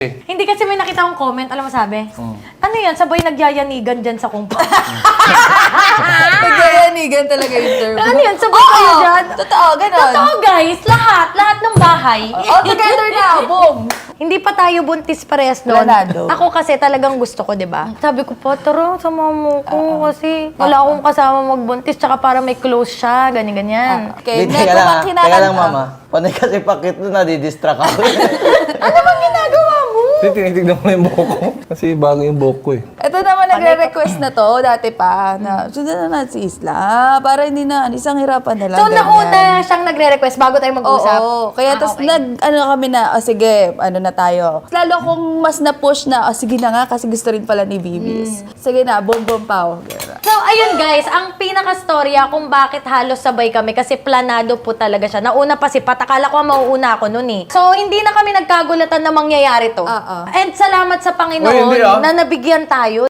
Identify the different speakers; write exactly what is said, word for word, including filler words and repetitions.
Speaker 1: Hindi kasi may nakita akong comment, alam mo sabi?
Speaker 2: Hmm.
Speaker 1: Ano yan, sabay nagyayanigan dyan sa kumpa.
Speaker 3: Nagyayanigan talaga yung term.
Speaker 1: Ano yan, sabay kayo dyan?
Speaker 3: Totoo, ganon.
Speaker 1: Totoo guys, lahat, lahat ng bahay.
Speaker 3: All together na, boom!
Speaker 1: Hindi pa tayo buntis parehas noon.
Speaker 3: Planado.
Speaker 1: Ako kasi talagang gusto ko, di ba? Sabi ko po, tara, sama mo ko kasi wala akong kasama magbuntis tsaka para may close siya, ganyan-ganyan.
Speaker 3: Okay,
Speaker 2: Hindi,
Speaker 3: next
Speaker 2: teka lang,
Speaker 3: naman
Speaker 2: ah.
Speaker 3: kinakanta.
Speaker 2: Teka lang, mama. Panay kasi pakit doon, nadidistract ako.
Speaker 1: Ano bang ginagawa mo?
Speaker 4: Kasi tinitignan ko yung buhok ko. Kasi bago yung buhok ko eh.
Speaker 3: Ito naman nagre-request na to, dati pa, na sundan na natin si Isla, para hindi na, isang hirapan na lang.
Speaker 1: So,
Speaker 3: ganyan.
Speaker 1: nauna siyang nagre-request bago tayo mag-usap?
Speaker 3: Oo, kaya
Speaker 1: Ah,
Speaker 3: tapos
Speaker 1: okay.
Speaker 3: nag, ano kami na, oh, sige, ano na tayo. Lalo kung mas na-push na, oh, sige na nga, kasi gusto rin pala ni Bibis. Sige na, boom, boom, pow.
Speaker 1: So, ayun guys, ang pinaka-storya kung bakit halos sabay kami kasi planado po talaga siya. Nauna pa si Pat, akala ko mauuna ako nun eh. So, hindi na kami nagkagulatan na mangyayari to.
Speaker 3: Oo.
Speaker 1: And salamat sa Panginoon
Speaker 4: Uy, hindi, ah.
Speaker 1: na nabigyan tayo.